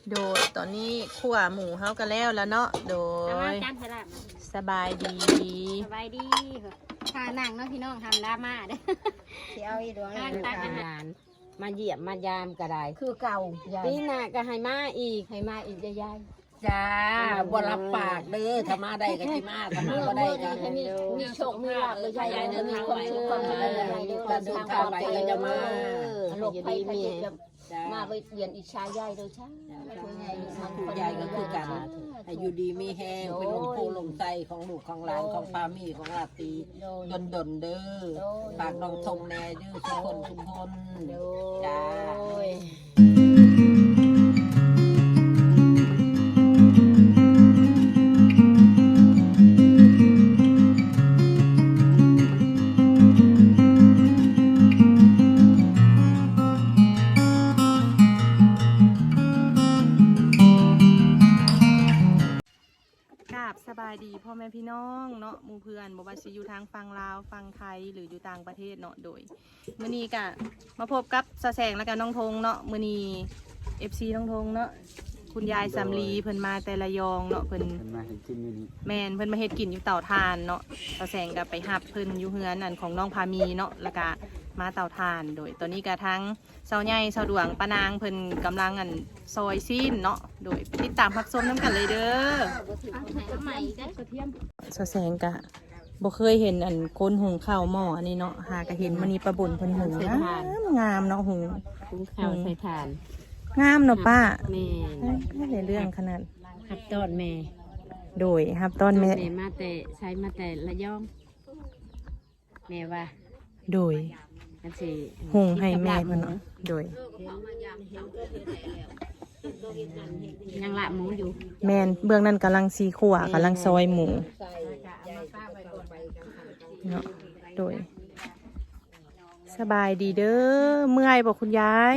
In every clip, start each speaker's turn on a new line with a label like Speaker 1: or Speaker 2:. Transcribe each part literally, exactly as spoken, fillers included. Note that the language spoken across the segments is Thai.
Speaker 1: โดยตอนนี้ขั่วหมูเฮากันแล้วแล้วเนาะโดยสบายดี
Speaker 2: สบายดีทานั่งเนาะพี่น้องทำดราม่าเด้อเสียเอาอีดวงเลยตาหลานมาเยี่ยมมายามก็ได้คือเก่าปีหน้าก็ให้มาอีกให้มาอีกยาย
Speaker 3: จ้าบ่รับปากเด้อถ้ามาได้ก็สิมาถ้ามาบ่ได้ก็
Speaker 2: มีมีโชคมีลาภเลยยายเดินทางไปความสุขความเจริญเดินทางไปก็จะมาหลบไปมีมาไปเรียนอิชายายเลยใช่
Speaker 3: ผู้ใหญ่ก็คือกันให้อยู่ดีมีแห้งเป็นลมโพลมใจของลูกของหลานของพามีของลาตีดนดนเด้อฝากน้องทงแน่เด้อทุกคนทุกคนจ้า
Speaker 1: สบายดีพ่อแม่พี่น้องเนาะหมู่เพื่อนบอกว่าสิอยู่ทางฝั่งลาวฝั่งไทยหรืออยู่ต่างประเทศเนาะโดยมื้อนี้ก็มาพบกับสะแสงและกันน้องธงเนาะมื้อนี้ เอฟ ซี น้องธงเนาะคุณยายสำลีเพิ่นมาแต่ละยองเนาะเพิ่นมาเฮ็ดกินอยู่นี่แม่นเพิ่นมาเฮ็ดกินอยู่เตาถ่านเนาะสะแสงก็ไปหับเพิ่นอยู่เฮือนนั่นของน้องพามีเนาะแล้วก็มาเตาถ่านโดยตอนนี้ก็ทั้งเสาใหญ่เสาดวงปานางเพิ่นกำลังอันซอยซีนเนาะโดยติดตามรับชมน้ำกันเลยเด้อสะแสงกะบ่เคยเห็นอันคนหุงข้าวหม้ออันนี้เนาะหากะเห็นมันนี่ประบุญเพิ่นหุงนะงามเนาะหุง
Speaker 2: หุงข้าวใส่ถ่าน
Speaker 1: งามเนาะป้า
Speaker 2: แม่
Speaker 1: ไม่ได้เรื่องขนาด
Speaker 2: ฮับต้นแม่
Speaker 1: โดยฮับต้นแม่
Speaker 2: แม่มาแต่ใช้มาแต่ละย่องแม่ว่า
Speaker 1: โดยหุงให้แม่เพิ่นเนาะโดย
Speaker 2: ยังละหมูอยู่
Speaker 1: แม่นเบื้องนั้นกำลังสีขั่วกำลังซอยหมูเนาะโดยสบายดีเด้อเมื่อยบอกคุณยาย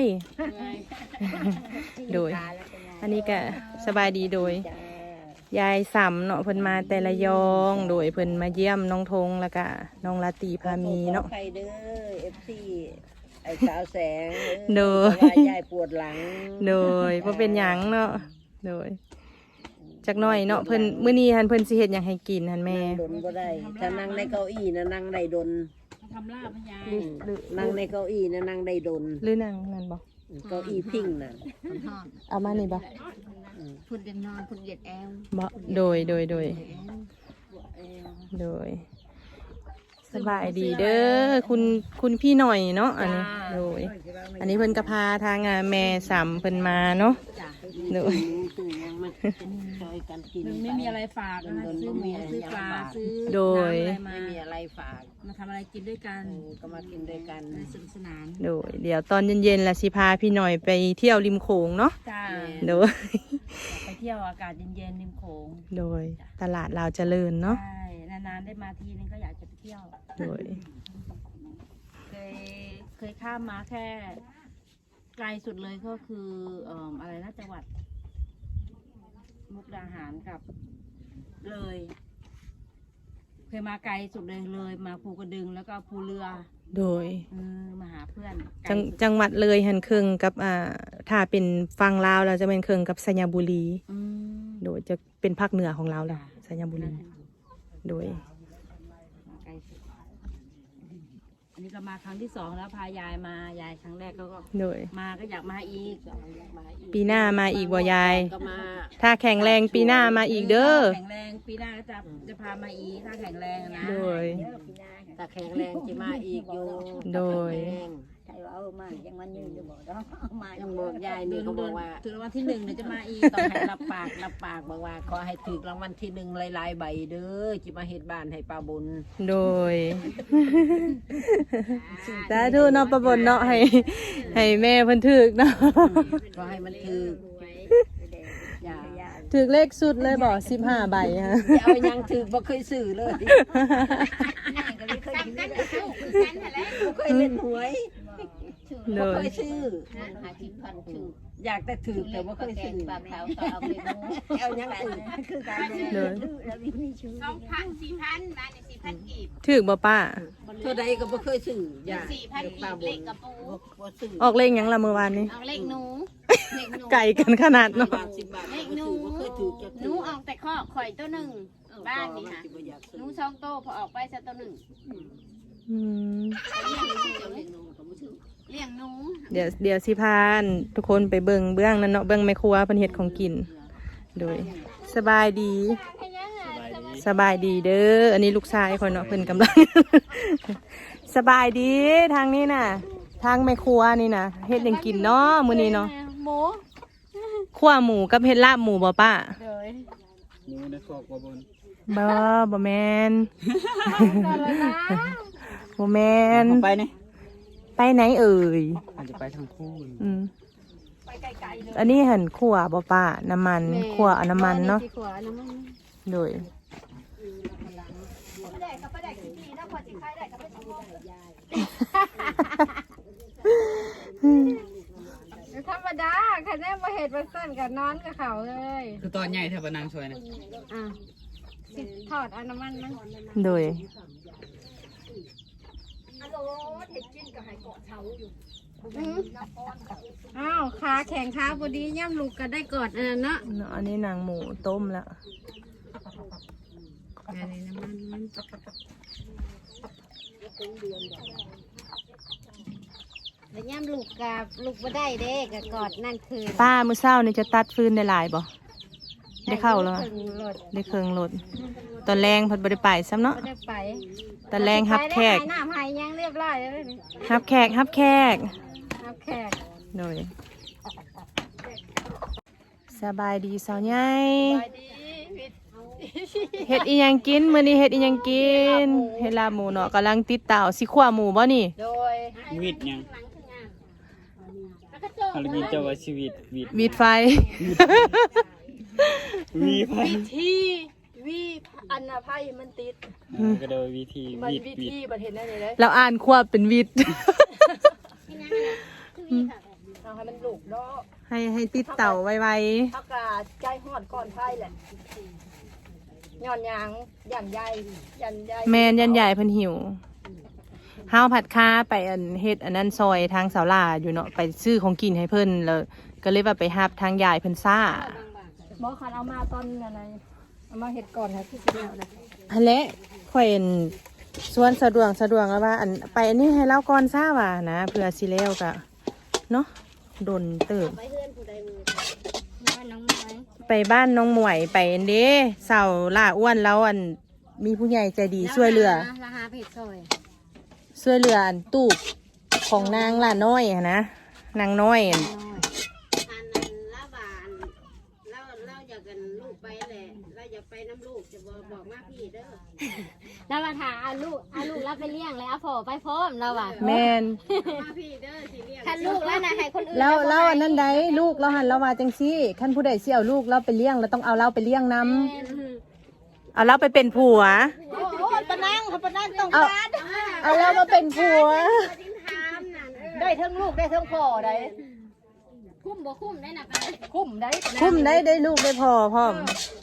Speaker 1: โดยอันนี้ก็สบายดีโดยยายสำเนาะเพิ่นมาแต่ละยองโดยเพิ่นมาเยี่ยมน้องธงแล้วก็น้องลาตีพามีเนาะ
Speaker 3: ใครเด้อ เอฟ ซี ไอ้สาวแสง
Speaker 1: โดย
Speaker 3: ยายปวดหลัง
Speaker 1: โดยบ่เป็นหยังเนาะโดยจักหน่อยเนาะเพิ่นมื้อนี้หั่นเพิ่นสิเฮ็ดหยังให้กินหั่นแม่
Speaker 3: ดนบ่ได้ถ้านั่งในเก้าอี้นะนั่งได้ดน
Speaker 2: ทำลาบยาย
Speaker 3: นั่งในเก้าอี้นะนั่งได้ดน
Speaker 1: หรือนั่งนั่นบ่
Speaker 3: เก้าอี้พิงน่ะ
Speaker 1: เอามานี่บ่
Speaker 2: พุ่นเดินนอนพุ่นเหยียดแอว
Speaker 1: บ่โดยโดยโดยโดยสบายดีเด้อคุณคุณพี่หน่อยเนาะอันนี้โดยอันนี้เพิ่นก็พาทางแม่สามเพิ่นมาเนาะโดย
Speaker 2: ไม่มีอะไรฝากนะซื้อหมูซื้อปลาซื้อ
Speaker 1: โดย
Speaker 3: ไม่มีอะไรฝาก
Speaker 2: มาทำอะไรกินด้วยกัน
Speaker 3: ก็มากินด้วยกัน
Speaker 2: สนุกสนาน
Speaker 1: โดยเดี๋ยวตอนเย็นๆล่ะสิพาพี่หน่อยไปเที่ยวริมโขงเนาะโดย
Speaker 2: ไปเที่ยวอากาศเย็นๆริมโขง
Speaker 1: โดยตลาดลาวเจริญเนาะ
Speaker 2: ใช่นานๆได้มาทีนึงก็อยากจะไปเที่ยว
Speaker 1: โดย
Speaker 2: เคยเคยข้ามมาแค่ไกลสุดเลยก็คือเอ่ออะไรนะจังหวัดมุกดาหารกับเลยเคยมาไกลสุดเลยเลยมาภูกระดึงแล้วก็ภูเรือ
Speaker 1: โดย
Speaker 2: เออมาหาเพื่อน
Speaker 1: จังจังหวัดเลยหันครึ่งกับอ่าถ้าเป็นฝั่งลาวเราจะเป็นครึ่งกับสัญบุรีโดยจะเป็นภาคเหนือของเราแหละสัญบุรีโดย
Speaker 2: อันนี้ก็มาครั้งที่สองแล้วพายายมายายครั้งแรกก็
Speaker 1: โดย
Speaker 2: มาก็อยากมาอีก
Speaker 1: ปีหน้ามาอีกบ่ยายถ้าแข็งแรงปีหน้ามาอีกเด้อ
Speaker 2: แข็งแรงปีหน้าก็จะจะพามาอีกถ้าแข็งแรงนะ
Speaker 1: โดย
Speaker 3: ถ้าแข็งแรงจะมาอีกอยู่
Speaker 1: โดย
Speaker 3: ใช่ว่าเออมายังมันยืนจะบอกเนาะมายังบอกยายนี่เขาบอกว่า
Speaker 2: ถึงรางวัลที่หนึ่งเนี่ยจะมาอีก
Speaker 3: ต้องให้รับปากรับปากบอกว่าขอให้ถึงรางวัลที่หนึ่งหลายๆใบเด้อจะมาเฮ็ดบ้านให้ป้าบุญ
Speaker 1: โดยสาธุเนาะป้าบุญเนาะให้ให้แม่เพิ่นถึกเนาะ
Speaker 3: ก็ให้มันถึก
Speaker 1: ถึกเลขสุดเลยบอกสิบห้าใบฮะ
Speaker 3: เอายังถึกบ่เคยซื้อเลยเคยเล่นหวยบ่เคยซื้ออยากแต่ถือแต่ว่าเคยซื้อปลาขาวก็เอาไปมูเอายังถือคือการเลย
Speaker 2: สองพันสี่พันมาในสิบพันกีบ
Speaker 1: ถือบ่ป้า
Speaker 3: เท่าใดก็บ่เคยซื้ออย่า
Speaker 2: สี่พันกีบเล็กกระปู
Speaker 3: บ่ซื้อ
Speaker 1: ออกเลขหยังละเมื่อวานนี้
Speaker 2: เอาเล็กหนูเล็กหนู
Speaker 1: ไก่กันขนาดเนาะ
Speaker 3: บาทสิบบาท
Speaker 2: เล็กหนู
Speaker 3: บ่เคยถือจัก
Speaker 2: หนูออกแต่ข้อข่อยตัวหนึ่งบ้านนี่ค่ะ
Speaker 3: บ่อยาก
Speaker 2: ห
Speaker 3: ซื้อ
Speaker 2: นูสองโตพอออกไปซะตัวหนึ่ง
Speaker 1: อืม
Speaker 2: เลี้ยงหนูเลี้ยงหนู
Speaker 1: เดี๋ยวเดี๋ยวสิพานทุกคนไปเบิ่งเบื้องนั้นเนาะเบิ่งแม่ครัวเพิ่นเฮ็ดของกินโดยสบายดี สบายดีเด้ออันนี้ลูกชายคนเนาะเพิ่นกำลัง สบายดีทางนี้น่ะ ทางแม่ครัวนี่น่ะเฮ็ดหยังกินเนาะมื้อนี้เนาะ
Speaker 2: หมู
Speaker 1: คั่วหมูกับเฮ็ดลาบหมูบ่ป้า
Speaker 2: เลย
Speaker 4: หมูในคอกว่าบน
Speaker 1: บ่บ่แม่น บ่แม่น
Speaker 4: ไปนี่
Speaker 1: ไปไหนเอ่ย
Speaker 4: อาจจะไปทางคู่
Speaker 1: อืมอันนี้หั่นคั่วบ่ป้าน้ำมันคั่วเอาน้ำมันเนาะ
Speaker 2: ขวาน้ำมัน
Speaker 1: โดย
Speaker 5: ธรรมดาค่ะแน่มาเห็ดมาสั่นกับนอนกับเขาเลย
Speaker 4: คือตอนใหญ่แทบนางช่วยนะ
Speaker 5: อ่ะสิถอดเอาน้ำมันมัน
Speaker 1: โดย
Speaker 5: อืมอ้าวขาแข็งขาพอดีย่ำลูกก็ได้กอดอันนั้นเนาะ
Speaker 1: เนาะอันนี้นางหมูต้มแล้ว
Speaker 5: อันนี้น้ำมันมันแล้วย่ำลูกกับลูกบ่ได้เด้กับกอดนั่นคือ
Speaker 1: ป้ามื้อเช้านี่จะตัดฟืนได้หลายบ่ได้เข้าแล้ว
Speaker 5: ถึงรถ
Speaker 1: ได้เครื่องรถตอนแรงเพิ่นบ่ได้ไปซ้ำเนาะ
Speaker 5: บ่ได้ไป
Speaker 1: ตอนแรงฮับแขก
Speaker 5: ไปได้หายน้ำหายยังเรียบร้อยแล้วนี่
Speaker 1: ฮับแขกฮับแขก
Speaker 5: รับแขก
Speaker 1: โดยสบายดีสาวใหญ่
Speaker 5: ไปดีวิทย์
Speaker 1: เฮ็ดอีหยังกินมื้อนี้เฮ็ดอีหยังกินเฮ็ดลาบหมูเนาะกำลังติดเตาสิคั่วหมูบ่นี่
Speaker 5: โดย
Speaker 4: วิดยังอะไรกินเจ้าว่าชีวิตวิด
Speaker 1: วีดไฟ
Speaker 4: วีไป
Speaker 5: วิธีวิอันอภัยมันติด
Speaker 4: ก็โดยวิธี
Speaker 5: มัน
Speaker 4: วิด
Speaker 5: วิ
Speaker 4: วิด
Speaker 5: ธีประเทศนั่นเลย
Speaker 1: เราอ่านควบเป็นวิด
Speaker 5: เอาให้มันลูกเนาะ
Speaker 1: ให้ให้ติดเต่าไว
Speaker 5: อากาศใจหอดก่อนไฟแหละย้อนยางยันใหญ่ยันใหญ่
Speaker 1: ๆแมนยันใหญ่เพิ่นหิวห้าวผัดค้าไปอันเฮ็ดอันนั้นซอยทางเสาลาอยู่เนาะไปซื้อของกินให้เพิ่นแล้วก็เลยว่าไปฮับทางยายเพิ่นซ่า
Speaker 5: บอกคันเอามาตอนนั้นนะเอามาเห็ดก่อนค่ะที่สิแล้วนะ
Speaker 1: อันเละข่อยเห็นส่วนสะดวกสะดวกแล้วว่าอันไปอันนี้ให้เล่าก่อนซ่าว่านะเพื่อสิแล้วก็เนาะโดนเติบ
Speaker 5: ไปเพื่อนผู้ใดมือน้อยน้องน้อย
Speaker 1: ไปบ้านน้องหมวยไปอันเด้เสาล่าอ้วนแล้วอันมีผู้ใหญ่ใจดีช่วยเหลือ
Speaker 5: ราคาเผ็ดซอย
Speaker 1: ช่วยเหลืออันตูบของนางล่าน้อยอะนะนางน้อยอัน
Speaker 2: อันนั้นละบานเราเราอยากกันลูกไปแหละเราอยากไปน้ำลูกจะบอกบอกมาพี่เด้อ
Speaker 5: แล้วมาถามเอาลูกเอาลูกแล้วไปเลี้ยงแล้วเอาพ่อไปพร้อมเราอ่ะ
Speaker 1: แม่น
Speaker 2: มาพี่เด้อสิเรียก
Speaker 5: คันลูกแล้วนะให้คนอื่น
Speaker 1: แล้วแล้วอันนั้นใดลูกเราหันเรามาจังซี่ขั้นผู้ใดสิเอาลูกเราไปเลี้ยงเราต้องเอาเราไปเลี้ยงนํเอาเราไปเป็นผัว
Speaker 5: โอ้โหปะนั่งเขาปะนั่งต้อง
Speaker 1: เอา
Speaker 5: การ
Speaker 1: เอาเรามาเป็นผัว
Speaker 5: ได้ทั้งลูกได้ทั้งพ่อได้คุ้มบ่คุ้มได้นะคุ้มได้
Speaker 1: คุ้มได้ได้ลูกได้พอพร้อม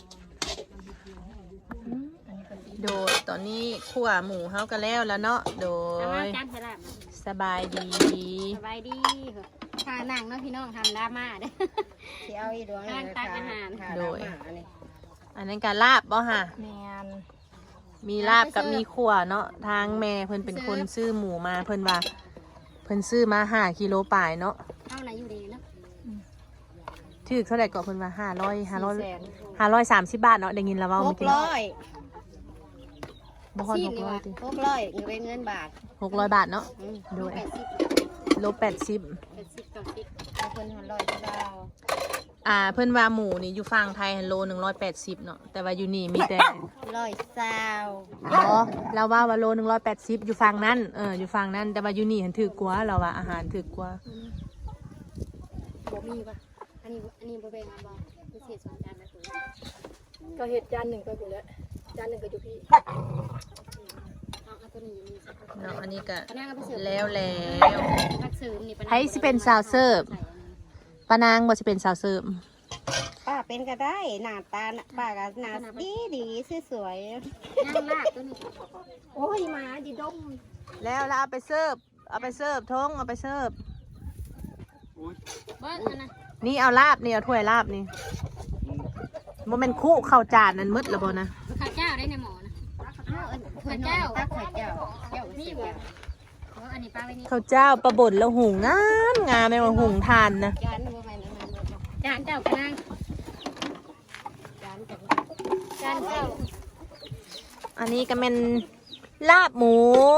Speaker 1: โดยตอนนี้ขั่วหมูเฮากันแล้วแล้วเนาะโด
Speaker 5: เอามาย จานสลับ
Speaker 1: สบายดี
Speaker 5: สบายดีทานั่งเนาะพี่น้องทำดราม่าเด้อ
Speaker 2: สิเอาอีดวง
Speaker 5: การตักอาหาร
Speaker 1: โดย อันนั้นการลาบบ่ฮะ
Speaker 5: แมน
Speaker 1: มีลาบกับมีขั่วเนาะทางแม่เพิ่นเป็นคนซื้อหมูมาเพิ่นว่า เพิ่นซื้อมาห้ากิโลป่ายเนาะ
Speaker 5: เท่าไหร่อยู่ดีเนาะ
Speaker 1: ถือเท่าไหร่ก็เพิ่นว่าห้าร้อยห้าร้อยห้าร้อยสามสิบบาทเนาะได้ยินแล้วเว่า
Speaker 2: ห
Speaker 1: เมื่
Speaker 2: ก
Speaker 1: อกี้
Speaker 2: ร้อย
Speaker 1: บ่ฮอด
Speaker 5: ซี
Speaker 1: ห
Speaker 5: น
Speaker 1: ก
Speaker 5: นี่
Speaker 1: ร้อ
Speaker 5: ว่ะ
Speaker 1: ยติ
Speaker 2: หกร้อยเงินเป็นเงินบาท
Speaker 1: หกร้อยบาทเนาะ
Speaker 5: อืม
Speaker 1: โดย
Speaker 5: แปดสิบ
Speaker 1: โลแปดสิบ
Speaker 5: แปดสิบต่อสิบ
Speaker 2: เอาคนหันร้อยเก้า
Speaker 1: อ่าเพิ่นว่าหมูนี่อยู่ฝั่งไทยโลหนึ่งร้อยแปดสิบเนาะแต่ว่าอยู่นี่มีแต่
Speaker 2: ร้อยเศร้า
Speaker 1: อ๋อเราว่าว่าโลหนึ่งร้อยแปดสิบอยู่ฝั่งนั้นเอออยู่ฝั่งนั้นแต่ว่าอยู่นี่หันถือกว่าเราว่าอาหารถือกว่า
Speaker 5: บ่มีป่ะอันนี้อันนี้บ่แบ่งเอาบ่พิเศษสองจานนะคุณ
Speaker 6: ก็เห็ดจานหนึ่งไปหมดแล้วจานหนึ่งก็อยู่พี่
Speaker 5: เอาเอาตัวนี้อยู่นี่สัก
Speaker 1: เนาะอันนี้ก็
Speaker 5: ปะนางก็ไปเสิร์ฟ
Speaker 1: แล้วแล้ว
Speaker 5: พักเสริมนี่ปะนาง
Speaker 1: ไผสิเป็นสาวเสิร์ฟ ปานางบ่สิเป็นสาวเสิร์ฟ
Speaker 6: ไป
Speaker 7: ป้าเป็นก็ได้หน้าตาน่ะป้าก็หน้าดีดีสวย
Speaker 5: นั่งลากตัวนี้โอ้ยหมาดิดม
Speaker 1: แล้วแล้วเอาไปเสิร์ฟเอาไปเสิร์ฟทงเอาไปเสิร์ฟ
Speaker 5: เบิ้ลอันนั้น
Speaker 1: นี่เอาลาบนี่เอาถ้วยลาบนี่โมเมนคู่เข้าวจานนั้นมืดแล้วบ่นะ
Speaker 5: ข้าวเจ้าได้ในหมอนะข้าวเจ้า
Speaker 7: ตักไข่เจ้าเจ้า
Speaker 5: นี่บ่อ๋ออันนี้ป้าไว้นี่
Speaker 1: ข้าวเจ้าปลาบ่นแล้วหุงงามงามแม่ว่าหุงทานนะ
Speaker 7: จานบ่แม่นอันนั้นบ่
Speaker 5: จานเจ้ากระนัง
Speaker 7: จานจัง
Speaker 5: จานเจ้า
Speaker 1: อันนี้ก็เป็นลาบหมู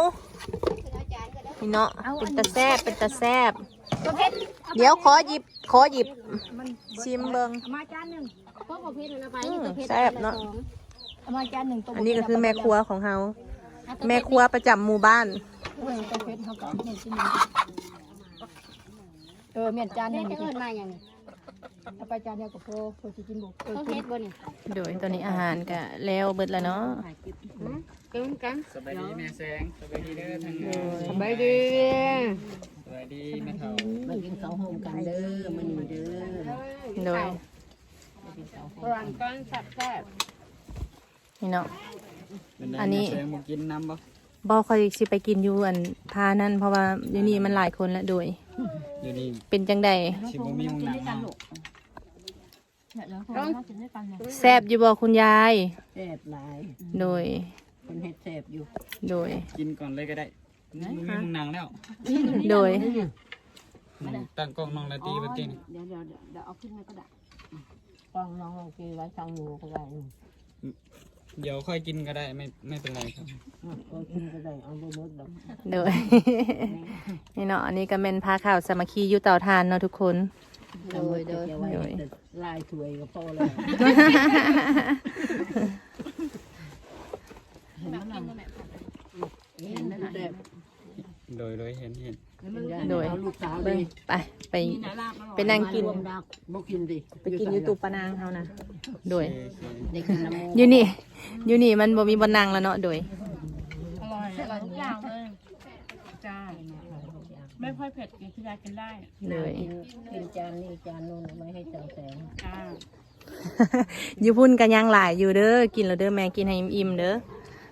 Speaker 1: นี่เนาะเป็นตะแซบเป็นตะแซบ
Speaker 5: ประเภท
Speaker 1: เดี๋ยวขอหยิบขอหยิบชิมเบิง
Speaker 5: เอามาจานหนึ่งเพราะประเภทมันเอาไป
Speaker 1: อื
Speaker 5: นี่
Speaker 1: ม
Speaker 5: ประเภท
Speaker 1: แซ่บเนาะ
Speaker 5: เอามาจานหนึ่งตัว
Speaker 1: อันนี้ก็คือแม่ครัวของเฮาแม่ครัวประจำหมู่บ้าน
Speaker 5: เออประเภทเขาก็เห็นที่นี่เออเมียนจานหนึ่งเอิ้นมาอย่างนี้เอาไปจานเดียวกับโพโพสิกินบุกประเภทบ่นี่
Speaker 1: โดยตอนนี้อาหารก็แล้วเบิดแล้วเนาะ
Speaker 5: กินกัน
Speaker 4: สบายดีแม่แสงสบายดีเด้อทางนี้
Speaker 5: สบายดี
Speaker 4: สบายดีแม่เฒ่า
Speaker 3: มากินข้าวโฮมกันเด้อมื้อนี้เด้อ
Speaker 1: โดย
Speaker 5: รันก้อนแซ่บ
Speaker 1: นี่เนาะ
Speaker 4: เป็นไง
Speaker 1: อันนี้
Speaker 4: แม่แสงบ่กินน้ำบ่
Speaker 1: บ่ค่อยสิไปกินอยู่อันพานั่นเพราะว่าอยู่นี่มันหลายคนแล้วโดย
Speaker 4: อยู่นี่
Speaker 1: เป็นจังใด
Speaker 4: สิบ่มีหมู่หนังเนาะ
Speaker 1: แซ่บอยู่บ่คุณยาย
Speaker 3: แซ่บหลาย
Speaker 1: โดย
Speaker 3: คนเฮ็ดแซ่บอยู่
Speaker 1: โดย
Speaker 4: กินก่อนเลยก็ได้บ่มีหมู่หนังแล้ว
Speaker 1: โดย
Speaker 4: ตั้งกล้องน้องละตีเมื่อกี้นี่
Speaker 2: เดี๋ยวเดี๋ยวเดี๋ยวเอาขึ้นมาก็ได้
Speaker 3: กล้องน้องลองกินไว้ช่างหมูก็ได้
Speaker 4: เดี๋ยวค่อยกินก็ได้ไม่ไม่เป็นไรครับ
Speaker 3: ก็กินก็ได้เอาบ่หมดดอก
Speaker 1: โดย นี่เนาะอันนี้ก็เป็นพาข่าวสามัคคีอยู่เตาทานเนาะทุกคน
Speaker 3: โดยโดยโดยลายถวยก็พอแล้ว
Speaker 2: เห็นไหมล่ะเห็นไหมล่ะ
Speaker 3: แซ่บ
Speaker 4: โดยโดยเห็นเห็น
Speaker 1: โดย
Speaker 3: เอาลูกสาวเล
Speaker 1: เบิ่ง
Speaker 3: ย
Speaker 1: ไปไปไปนั่งกิน
Speaker 3: รวมดาวบ่กินดิ
Speaker 1: ไปกินอยู่ตูปะนางเฮานะโดย
Speaker 4: โอเค
Speaker 3: ได้กินน้ำมู
Speaker 1: อยู่นี่อยู่นี่มันบ่มีบนนั่งแล้วเนาะโดย
Speaker 2: อร่อยอร่อยทุกอย่างเลยจ้าไม่ค่อยเผ็ดกินที่ยากินได้
Speaker 1: เลย
Speaker 3: กินกินจานนี้จานนู้นเอาไม่ให้เจ้าแสง
Speaker 2: จ้า
Speaker 1: อยู่พุ่นกันยังหลายอยู่เด้อกินแล้วเด้อแม่กินให้อิ่มๆเด้อ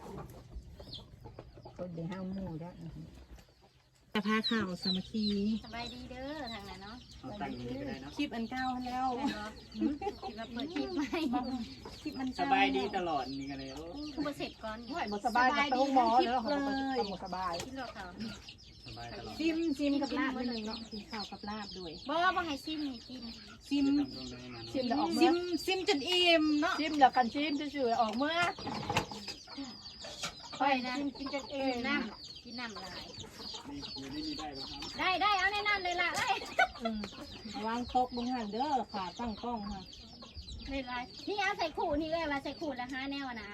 Speaker 3: ก็ได้ห้าหมูแล้ว
Speaker 1: แต่พาข่าวสามัคคี
Speaker 5: สบายดีเด้อทางนั้นเนาะ
Speaker 4: เอาตั้งนี้ก็ได้เนาะ
Speaker 1: คลิปอันเก้าแล้ว
Speaker 5: คิดว่าเปิดคลิปไหมคลิปมัน
Speaker 4: สบายดีตลอดนี่ก็เลยโอ้
Speaker 5: คือบ่เสร็จก่อน
Speaker 6: ไม่บ่สบายกับโต๊ะหมอแล้วเขาก็บ่สบาย
Speaker 5: คิดหรอกเขา
Speaker 4: สบายตลอด
Speaker 1: ซิมซิมกับลาบนิดนึงเนาะกินข้าวกับลาบด้วย
Speaker 5: บ่บ่ให้ซิมนี่กิน
Speaker 1: ซิม
Speaker 4: ตามตรงเลยนะ
Speaker 6: ชิมแล้วออก
Speaker 1: ซิ
Speaker 6: เมื่อ
Speaker 1: มซิมจนอิ่มเนาะ
Speaker 6: ชิมแล้วกันชิมซื่อๆออกเมื่อ
Speaker 5: ค่อยนะกินจังเองน้ำกินน้ำลาย
Speaker 4: นี่อยู่นี่นี่ได้ป่ะครับ
Speaker 5: ได้ได้เอาในน้ำเลยล่ะเอ้ยว
Speaker 1: างโต๊ะบนหันเด้อขาตั้งกล้องค่ะ
Speaker 5: เลยลายนี่เอาใส่ขู่นี่เลยว่าใส่ขู่แล้วห้าแนวนะเอา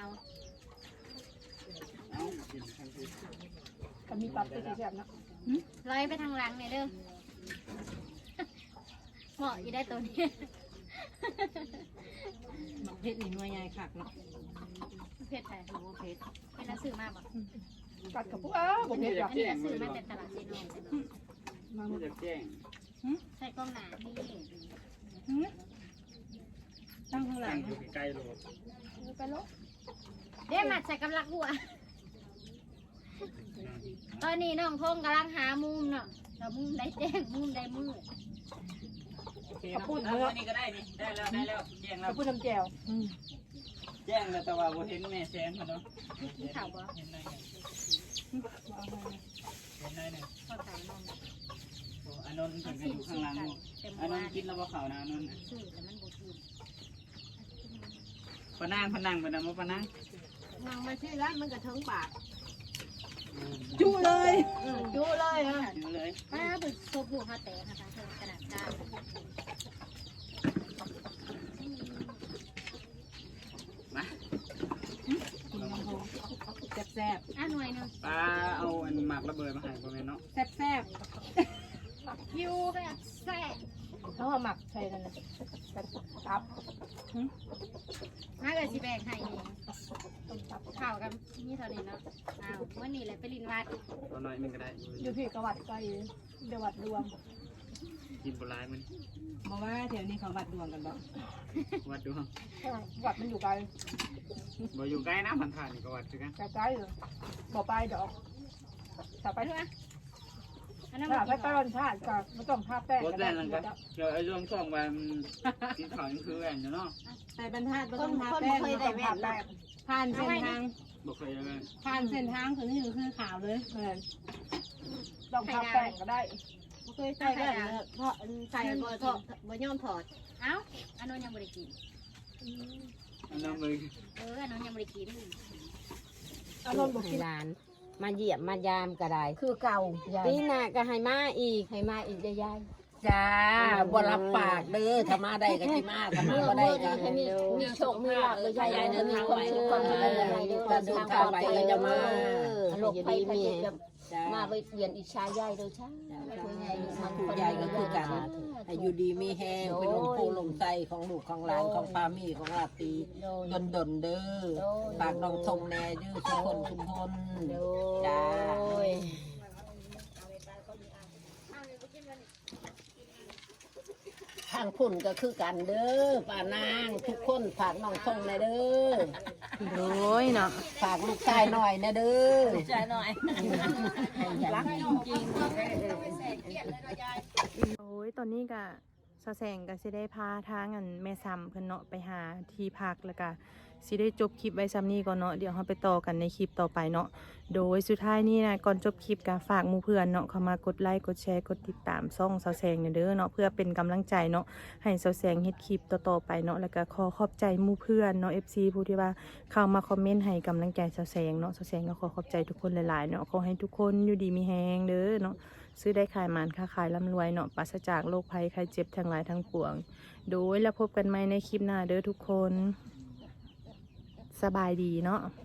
Speaker 6: ก็มีปรับตัวแซ่บๆเนาะ
Speaker 5: ลอยไปทางหลังเนี่ยเด้อเหมาะอยู่ได้ตัวนี้
Speaker 1: เผ็ดนี่หน่วยใหญ่คักเนาะ
Speaker 5: เผ็ดแต่โอ้เผ็ดเป็นนักสื่อมากบ่
Speaker 6: กัดกับพวกอ้าบ่เผ็ดหรอก
Speaker 5: อันนี้นักสื่อมาแต่ตลาดเซโนใช่ไหม
Speaker 4: ไม่จะแจ้ง
Speaker 5: ใส่กล้องหนานี่
Speaker 1: ตั้งข้างหลั
Speaker 4: ตั้
Speaker 1: ง
Speaker 4: งอยู่ใกล้ๆโลด
Speaker 6: ไปโลก
Speaker 5: เด้มัดใส่กำลังหัว ตอนนี้น้องพงกำลังหามุมเนาะแต่มุมได้แจ้งมุมได้มืด
Speaker 6: ขอบคุณ
Speaker 4: เอา
Speaker 6: เนาะ
Speaker 4: อันนี้ก็ได้นี่ได้แล้วได้แล้วแจ้ง
Speaker 6: ข
Speaker 4: แล้
Speaker 6: อ
Speaker 4: ว
Speaker 6: บคุณน้ำแจ่ว
Speaker 4: แจ้งแล้วแต่ว่าบ่เห็นแม่แสงเขาเนาะ
Speaker 5: กินข่าวบ่
Speaker 4: เห็นได้ไงเห็นได้เนี่ย
Speaker 5: ข้าวสารนม
Speaker 4: โอ้อานนท์เพิ่นก็อยู่ข้างหลังอานนท์กินแล้วบ่เข้านะอานนท์
Speaker 5: สื่อแต่มันบ่กิน
Speaker 4: ปะนางพะนังปะนางบ่ปะนาง
Speaker 5: นางมาชื่อร้านมันก็เทิงปาก
Speaker 6: จุเลยจุเลยฮะ
Speaker 4: อยู่เลย
Speaker 5: ป้าบึกโซบูเขาแตกนะคะเทิงขนาดกลาง
Speaker 4: มา
Speaker 1: แซ่บ
Speaker 5: อ่ะหน่วยหนึง
Speaker 4: ป้าเอาอันหมากระเบิดมาให้บ่แม่นเนาะ
Speaker 1: แซ่บแซ่บ
Speaker 5: ยูแบบแซ่บ
Speaker 6: เขาเอาหมักใส่นั่นน่ะตับ
Speaker 5: มาเกิดสิแบกให้นี่ข่าวกันนี่เท่านี้เนาะอ้าววันนี้แหละไปลินวัด
Speaker 4: ตัวน้อยหนึงก็ได้อยู่
Speaker 6: อยู่ที่กวัดไกลเดวัดรวม
Speaker 4: กินปลาไหลมัน
Speaker 1: บอกว่าแถวนี้เขาวัดดวงกันบ่
Speaker 4: วัดดู
Speaker 5: วัดมันอยู่ไกล
Speaker 4: บ่อยู่ใกล้นะผ่านๆนี่ก็วัดคือกัน
Speaker 5: ไกลๆเลยบ่ไปดอกถ้าไป
Speaker 2: อันนั้น
Speaker 5: ถ้าไปตอนชาติก็ไม่ต้องทาแป้ง
Speaker 4: บ่
Speaker 5: ก็
Speaker 4: ได้
Speaker 5: ได้
Speaker 4: นั่นก็เดี๋ยวไอ้เรื่องช่องวันกินข้าวยังคือแหวนอยู่เนาะ
Speaker 1: ใส่บรรทัดบ่
Speaker 7: ค
Speaker 1: ต้อน งทา
Speaker 7: คน
Speaker 1: แป้
Speaker 7: บ่
Speaker 1: ง
Speaker 7: เคย
Speaker 1: บ่
Speaker 7: ได้
Speaker 1: ต้อง
Speaker 7: แม่
Speaker 1: ทาน แป้งผ่านเส้นทาง
Speaker 4: บ่เคยเลย
Speaker 1: ผ่านเส้นทางคือนี่คือขาวเลย
Speaker 5: แม่นต้องทาแป้งก็ได้
Speaker 7: บ่เคยใส่ก็เพราะใส่บ่ถอดบ่ยอมถอด
Speaker 2: เอ้าอันนั้นยังไม่ได้กิน
Speaker 4: อันนั้นเลย
Speaker 2: เอออันนั้นยังไม่ได้กิน
Speaker 5: อารมณ์บ่กิน
Speaker 7: หลาน มาเยี่ยมมายามก็ได้
Speaker 5: คือเก่า
Speaker 7: ปีหน้าก็ให้มาอีกให้มาอีกยาย
Speaker 3: จ้าบ่รับปากเด้อถ้ามาได้ก็สิมาถ้ามาบ่ได้ก็
Speaker 7: ให้มีมีโชคมีลาภยาย
Speaker 3: ยาย
Speaker 7: เดิ
Speaker 3: เดิ
Speaker 7: น
Speaker 3: น
Speaker 7: ทา
Speaker 3: ทาง ง
Speaker 7: ไป
Speaker 3: ไป
Speaker 7: ทุ
Speaker 3: ทุ
Speaker 7: ก
Speaker 3: ก
Speaker 7: ค
Speaker 3: คน น
Speaker 7: เล
Speaker 3: เลย ย
Speaker 7: เดิ
Speaker 3: เดิ
Speaker 7: น
Speaker 3: น
Speaker 7: ทา
Speaker 3: ทาง ง
Speaker 7: ปลอด
Speaker 3: ไป
Speaker 7: ภัย
Speaker 3: ก็จะมา
Speaker 7: โรคภัยไข้เจ็บ
Speaker 3: จ้า
Speaker 7: มาไปเวียนอิจฉายายเด้อช้า
Speaker 3: ผู้ใหญ่ก็คือกันให้อยู่ดีมีแห้งเป็นลมโพลมไส้ของลูกของหลานของพามีของลาตีดนดนๆเด้อฝากน้องทงแน่เด้อทุกคนทุกคนจ้าทางพุ่นก็คือกันเด้อป้านางทุกคนฝากน้องทงแน่เด้อ
Speaker 1: โอ้ยเนาะ
Speaker 3: ฝากลูกชายหน่อยนะเด้อ
Speaker 2: ใจหน่อยรักจริง
Speaker 1: โอ้ยตอนนี้ก็สะแสงก็สิได้พาทางอันแม่ซ้ำเพิ่นเนาะไปหาที่พักแล้วก็สิได้จบคลิปไว้ซ้ำนี้ก่อนเนาะเดี๋ยวเราไปต่อกันในคลิปต่อไปเนาะโดยสุดท้ายนี้นะก่อนจบคลิปก็ฝากหมู่เพื่อนเนาะเข้ามากดไลค์กดแชร์กดติดตามช่องสะแสงเด้อเนาะเพื่อเป็นกำลังใจเนาะให้สะแสงเฮ็ดคลิปต่อๆไปเนาะแล้วก็ขอขอบใจหมู่เพื่อนเนาะ เอฟ ซี ผู้ที่ว่าเข้ามาคอมเมนต์ให้กำลังใจสะแสงเนาะสะแสงก็ขอขอบใจทุกคนหลายๆเนาะขอให้ทุกคนอยู่ดีมีแฮงเด้อเนาะซื้อได้ขายหมานค้าขายร่ำรวยเนาะปราศจากโรคภัยไข้เจ็บทั้งหลายทั้งปวงโดยแล้วพบกันใหม่ในคลิปหน้าเด้อทุกคนสบายดีเนาะ